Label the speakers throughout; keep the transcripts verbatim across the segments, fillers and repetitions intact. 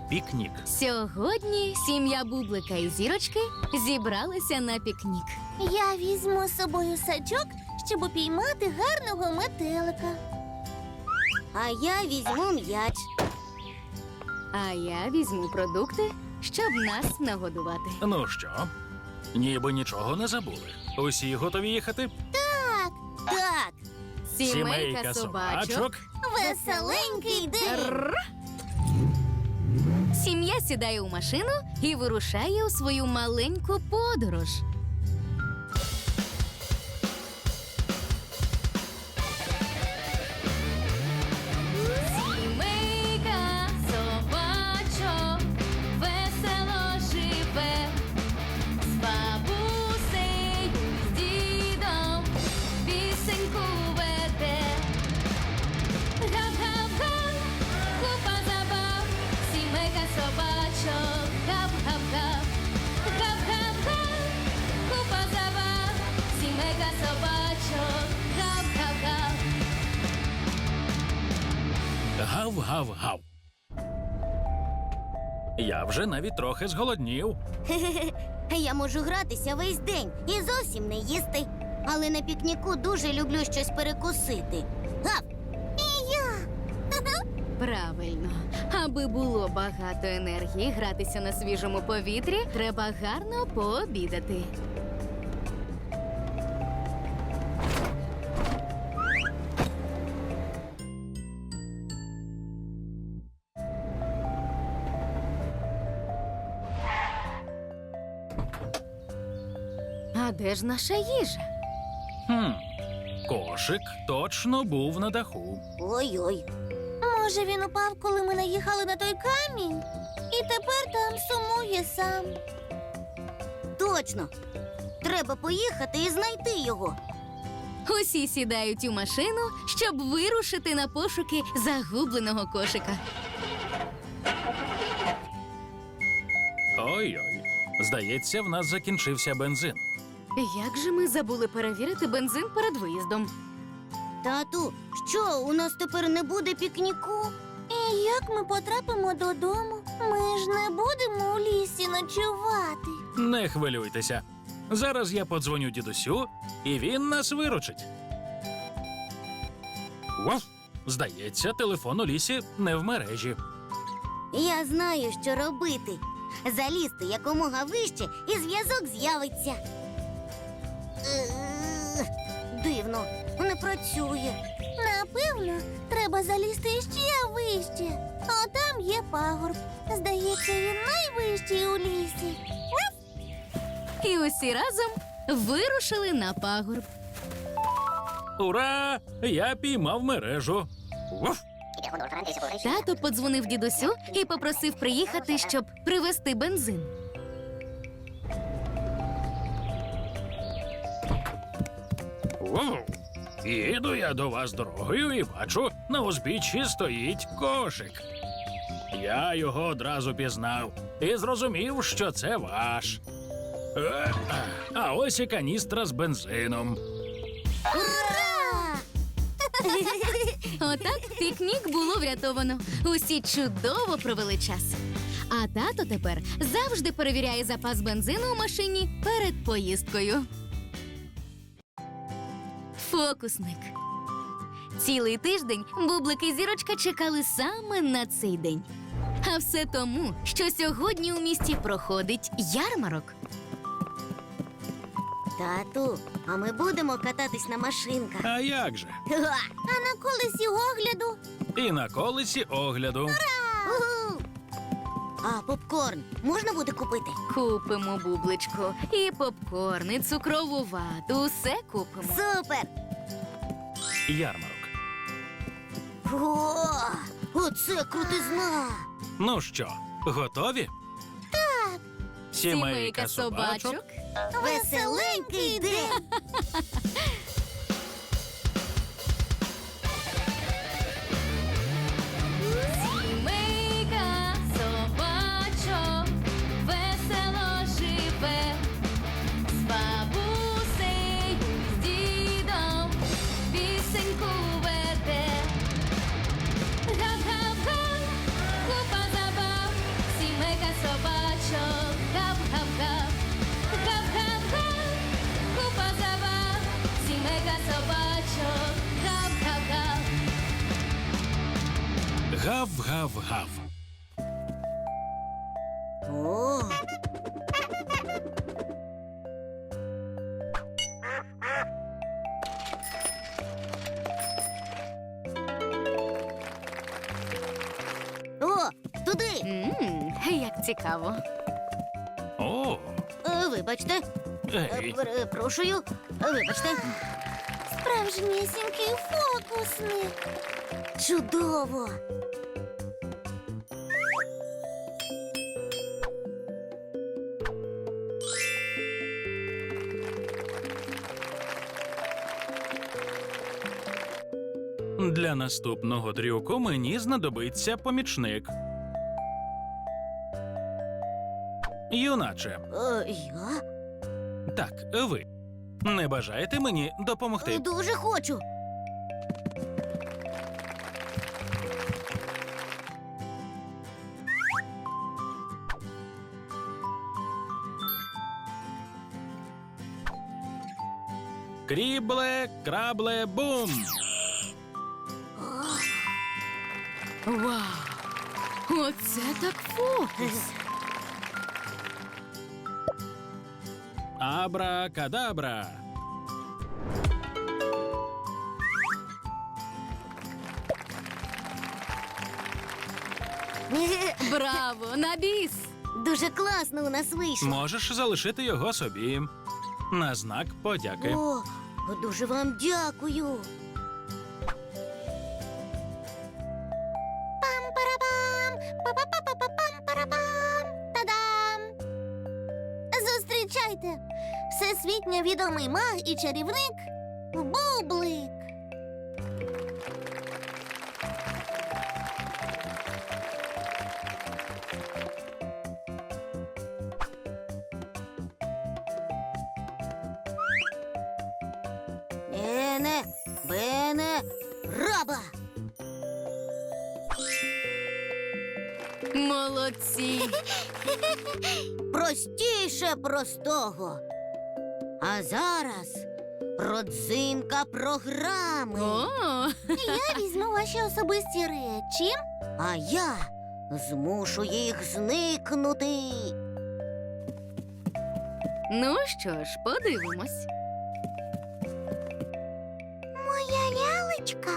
Speaker 1: пікнік.
Speaker 2: Сьогодні сім'я Бублика і Зірочки зібралися на пікнік.
Speaker 3: Я візьму з собою сачок, щоб упіймати гарного метелика.
Speaker 4: А я візьму м'яч.
Speaker 2: А я візьму продукти, щоб нас нагодувати.
Speaker 1: Ну що, ніби нічого не забули. Усі готові їхати?
Speaker 4: Так,
Speaker 2: Сімейка собачок.
Speaker 3: Веселенький день!
Speaker 2: Рр. Сім'я сідає у машину і вирушає у свою маленьку подорож. Сімейка собачок весело живе, з бабусею, з дідом пісеньку веде. Гап-гап-га, купа забав, сімейка собачок, гап-гап-га. Гап-гап-га, купа забав, сімейка собачок, гап-гап-га.
Speaker 1: Гав-гав-гав. Я вже навіть трохи зголоднів.
Speaker 4: я можу гратися весь день і зовсім не їсти. Але на пікніку дуже люблю щось перекусити. Гав!
Speaker 2: Правильно. Аби було багато енергії гратися на свіжому повітрі, треба гарно пообідати. А де ж наша їжа?
Speaker 1: Хм, кошик точно був на даху.
Speaker 4: Ой-ой.
Speaker 3: Може, він упав, коли ми наїхали на той камінь? І тепер там сумує сам.
Speaker 4: Точно. Треба поїхати і знайти його.
Speaker 2: Усі сідають у машину, щоб вирушити на пошуки загубленого кошика.
Speaker 1: Ой-ой. Здається, в нас закінчився бензин.
Speaker 2: Як же ми забули перевірити бензин перед виїздом?
Speaker 4: Тату, що, у нас тепер не буде пікніку?
Speaker 3: І як ми потрапимо додому? Ми ж не будемо у лісі ночувати.
Speaker 1: Не хвилюйтеся. Зараз я подзвоню дідусю, і він нас виручить. Вов! Здається, телефон у лісі не в мережі.
Speaker 4: Я знаю, що робити. Залізти якомога вище, і зв'язок з'явиться. Е, Дивно, не працює.
Speaker 3: Напевно, треба залізти ще вище. А там є пагорб. Здається, він найвищий у лісі.
Speaker 2: І усі разом вирушили на пагорб.
Speaker 1: Ура! Я піймав мережу. Вов!
Speaker 2: Тато подзвонив дідусю і попросив приїхати, щоб привезти бензин.
Speaker 1: Вов! Їду я до вас дорогою і бачу, на узбіччі стоїть кошик. Я його одразу пізнав і зрозумів, що це ваш. Е, А ось і каністра з бензином.
Speaker 4: Ура!
Speaker 2: Отак пікнік було врятовано. Усі чудово провели час. А тато тепер завжди перевіряє запас бензину у машині перед поїздкою. Фокусник. Цілий тиждень Бублик і Зірочка чекали саме на цей день. А все тому, що сьогодні у місті проходить ярмарок.
Speaker 4: Тату, а ми будемо кататись на машинках.
Speaker 1: А як же?
Speaker 4: Га!
Speaker 3: А на колесі огляду
Speaker 1: І на колесі огляду.
Speaker 4: Уху! А попкорн можна буде купити?
Speaker 2: Купимо, Бубличку, і попкорн, і цукрову вату, усе купимо.
Speaker 4: Супер!
Speaker 1: Ярмарок.
Speaker 4: О, оце крутизна!
Speaker 1: Ну що, готові? Так. Сімейка собачок.
Speaker 4: Веселенький день!
Speaker 2: Сімейка собачок весело живе, з бабусею, з дідом пісеньку веде. Гап-гап-га, купа забав,
Speaker 1: Гав-гав-гав.
Speaker 4: О. О, туди.
Speaker 2: Мм, як цікаво.
Speaker 1: О,
Speaker 4: Е, Вибачте. Е,
Speaker 1: ей.
Speaker 4: Перепрошую. Е, Вибачте.
Speaker 3: Справжнісінький фокусник.
Speaker 4: Чудово.
Speaker 1: Для наступного трюку мені знадобиться помічник. Юначе,
Speaker 4: Е, Я
Speaker 1: так, ви. Не бажаєте мені допомогти?
Speaker 4: дуже хочу.
Speaker 1: Крібле, крабле, бум!
Speaker 2: Вау! Оце так фокус!
Speaker 1: Абра-кадабра!
Speaker 2: Браво! На біс!
Speaker 4: Дуже класно у нас вийшло.
Speaker 1: Можеш залишити його собі. На знак подяки.
Speaker 4: О, дуже вам дякую.
Speaker 3: Пам-парабам! Па-па-па-па-пам-парабам! Та-дам! Зустрічайте! Всесвітньо відомий маг і чарівник Бублик.
Speaker 4: Ене, бене, раба.
Speaker 2: Молодці!
Speaker 4: Простіше простого. А зараз родзинка програми.
Speaker 2: О!
Speaker 3: Я візьму ваші особисті речі.
Speaker 4: А я змушу їх зникнути.
Speaker 2: Ну що ж, подивимось.
Speaker 3: Моя лялечка.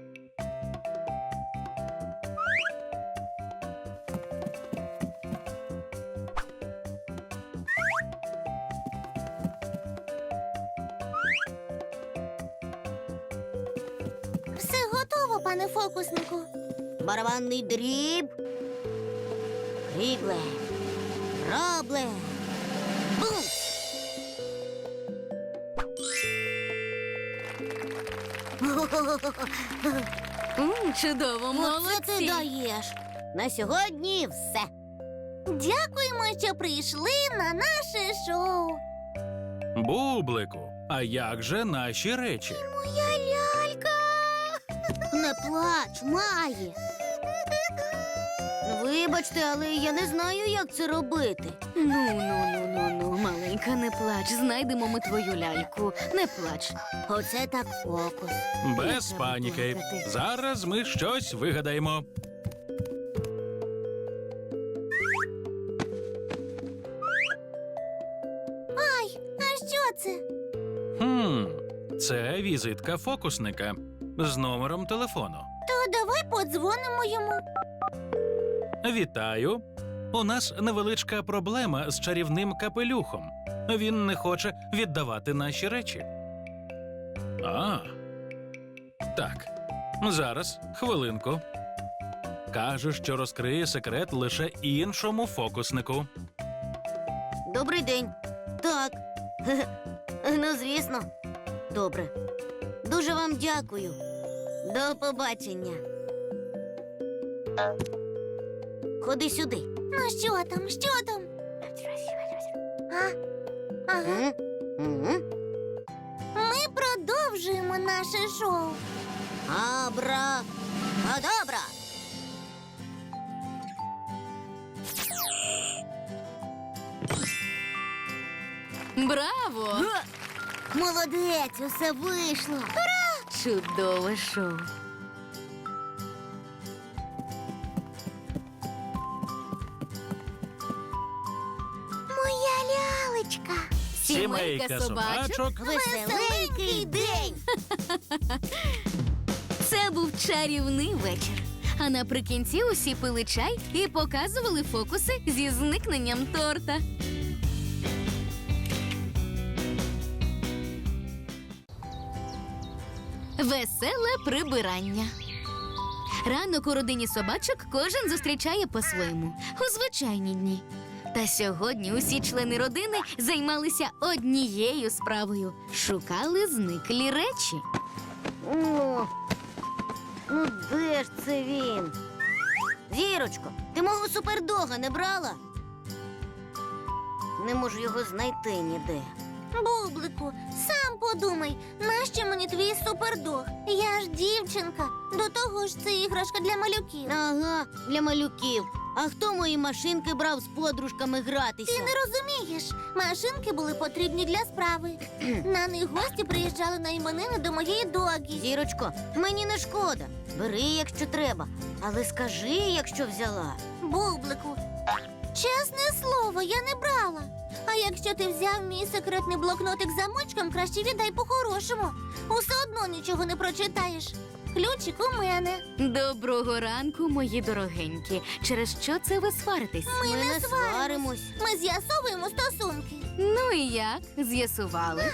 Speaker 3: Все готово, пане фокуснику.
Speaker 4: Барабанний дріб. Крібле. Рабле. Бум!
Speaker 2: М, чудово,
Speaker 4: Оце ти
Speaker 2: молодці!
Speaker 4: даєш. На сьогодні все.
Speaker 3: Дякуємо, що прийшли на наше шоу.
Speaker 1: Бублику, а як же наші речі?
Speaker 3: Моя лялька.
Speaker 4: Не плач, Маї. Вибачте, але я не знаю, як це робити.
Speaker 2: Ну, ну, ну, ну, ну, маленька, не плач. Знайдемо ми твою ляльку. Не плач.
Speaker 4: Оце так фокус.
Speaker 1: Без
Speaker 2: треба
Speaker 1: паніки.
Speaker 2: плакати.
Speaker 1: Зараз ми щось вигадаємо.
Speaker 3: Ай, а що це?
Speaker 1: Хм, це візитка фокусника з номером телефону.
Speaker 3: То давай подзвонимо йому.
Speaker 1: Вітаю. У нас невеличка проблема з чарівним капелюхом. Він не хоче віддавати наші речі. А. Так. Зараз, хвилинку. Каже, що розкриє секрет лише іншому фокуснику.
Speaker 4: Добрий день. Так. Ну, звісно. Добре. Дуже вам дякую. До побачення. Ходи сюди.
Speaker 3: Ну що там, що там? А? Ага.
Speaker 4: М? М?
Speaker 3: Ми продовжуємо наше шоу.
Speaker 4: Абра. Кадабра.
Speaker 2: Браво!
Speaker 4: Га! Молодець, усе вийшло.
Speaker 2: Чудове шоу.
Speaker 3: зірочка.
Speaker 2: Сімейка собачок.
Speaker 4: Веселенький день.
Speaker 2: Це був чарівний вечір. А наприкінці усі пили чай і показували фокуси зі зникненням торта. Веселе прибирання. Ранок у родині собачок кожен зустрічає по-своєму у звичайні дні. Та сьогодні усі члени родини займалися однією справою – шукали зниклі речі.
Speaker 4: О, ну де ж це він? Зірочко, ти мого супердога не брала? Не можу його знайти ніде.
Speaker 3: Бублику, сам подумай, нащо мені твій супердог? Я ж дівчинка. До того ж, це іграшка для малюків.
Speaker 4: Ага, для малюків. А хто мої машинки брав з подружками гратися?
Speaker 3: Ти не розумієш, машинки були потрібні для справи. На них гості приїжджали на іменини до моєї догі.
Speaker 4: Зірочко, мені не шкода. Бери, якщо треба. Але скажи, якщо взяла.
Speaker 3: Бублику, чесне слово, я не брала. А якщо ти взяв мій секретний блокнотик з замочком, краще віддай по-хорошому. Усе одно нічого не прочитаєш. Ключик у мене.
Speaker 2: Доброго ранку, мої дорогенькі. Через що це ви сваритесь?
Speaker 3: Ми,
Speaker 4: Ми
Speaker 3: не
Speaker 4: не
Speaker 3: сваримось.
Speaker 4: сваримось.
Speaker 3: Ми з'ясовуємо стосунки.
Speaker 2: Ну і як? З'ясували?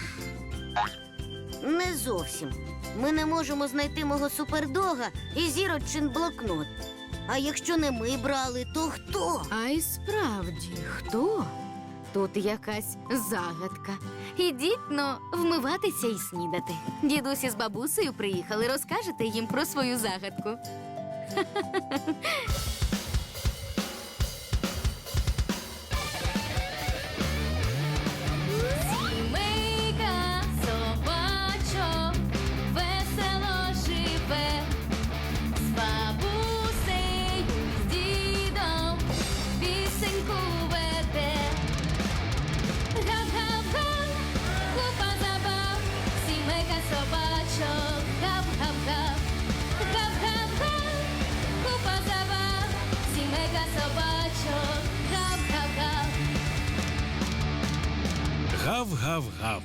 Speaker 4: Не зовсім. Ми не можемо знайти мого супердога і зірочин блокнот. А якщо не ми брали, то хто?
Speaker 2: А й справді, хто? Тут якась загадка. Ідіть, но, вмиватися і снідати. Дідусь із бабусею приїхали, розкажете їм про свою загадку. Сімейка собачок весело живе, з бабусею, з дідом пісеньку веде. Гав-гав-га, купа забав, сімейка собачок, гав-гав-гав. Гав-гав-га, купа забав, сімейка собачок, гав-гав-гав.
Speaker 1: Гав-гав-гав.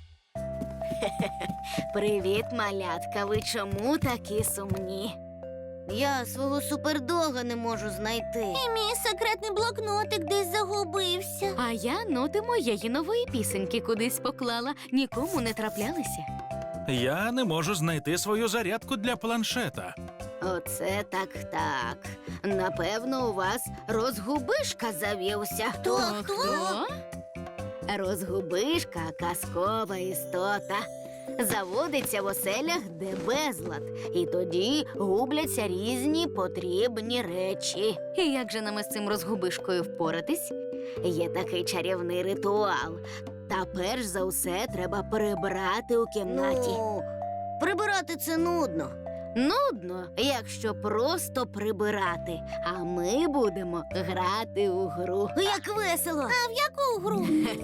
Speaker 2: Привіт, малятка. Ви чому такі сумні?
Speaker 4: Я свого супердога не можу знайти.
Speaker 3: І мій секретний блокнотик десь загубився.
Speaker 2: А я ноти моєї нової пісеньки кудись поклала. Нікому не траплялися.
Speaker 1: Я не можу знайти свою зарядку для планшета.
Speaker 2: Оце так-так. Напевно, у вас розгубишка завівся.
Speaker 3: Хто, хто?
Speaker 2: Розгубишка – казкова істота. Заводиться в оселях, де безлад. І тоді губляться різні потрібні речі. І як же нам із цим розгубишкою впоратись? Є такий чарівний ритуал. Та перш за все треба прибрати у кімнаті.
Speaker 4: Ну, прибирати це нудно.
Speaker 2: Нудно, якщо просто прибирати. А ми будемо грати у гру.
Speaker 4: Як весело.
Speaker 3: А в яку гру?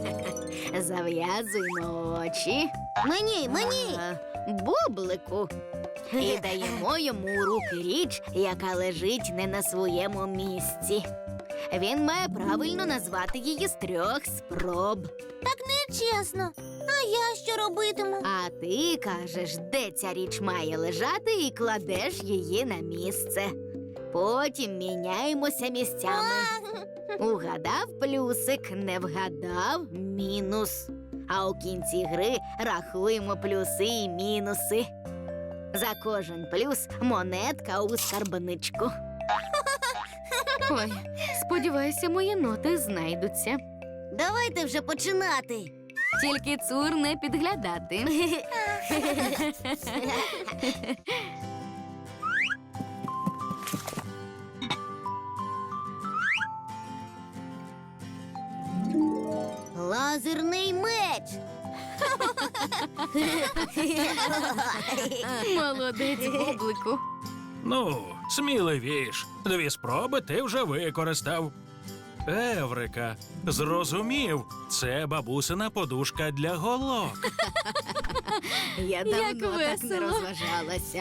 Speaker 2: Зав'язуємо очі.
Speaker 4: Мені, мені.
Speaker 2: А, Бублику. І даємо йому у руки річ, яка лежить не на своєму місці. Він має правильно назвати її з трьох спроб.
Speaker 3: Так нечесно. А я що робитиму?
Speaker 2: А ти кажеш, де ця річ має лежати, і кладеш її на місце. Потім міняємося місцями. Угадав плюсик, не вгадав мінус. А у кінці гри рахуємо плюси і мінуси. За кожен плюс монетка у скарбничку. Ой, сподіваюся, мої ноти знайдуться.
Speaker 4: Давайте вже починати.
Speaker 2: Тільки цур не підглядати.
Speaker 4: Лазерний меч.
Speaker 2: Молодець, Бублику.
Speaker 1: Ну, сміливіш. Дві спроби ти вже використав. Еврика, зрозумів, це бабусина подушка для голок.
Speaker 2: Я
Speaker 5: Як
Speaker 2: давно так не
Speaker 5: весело.
Speaker 2: розважалася.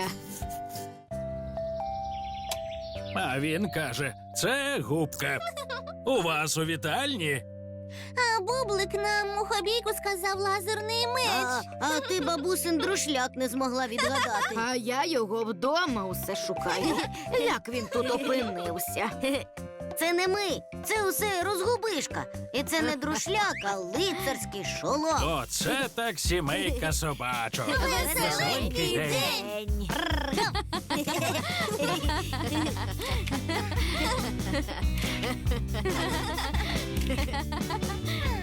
Speaker 1: А він каже, це губка. У вас у вітальні?
Speaker 3: А Бублик на мухобійку сказав лазерний меч.
Speaker 4: А, а ти бабусин друшляк не змогла відгадати.
Speaker 2: А я його вдома усе шукаю. Як він тут опинився?
Speaker 4: Це не ми, це усе розгубишка. І це не друшляк, а лицарський шолом.
Speaker 1: Оце так сімейка собачок.
Speaker 3: Веселенький
Speaker 1: день.
Speaker 3: день.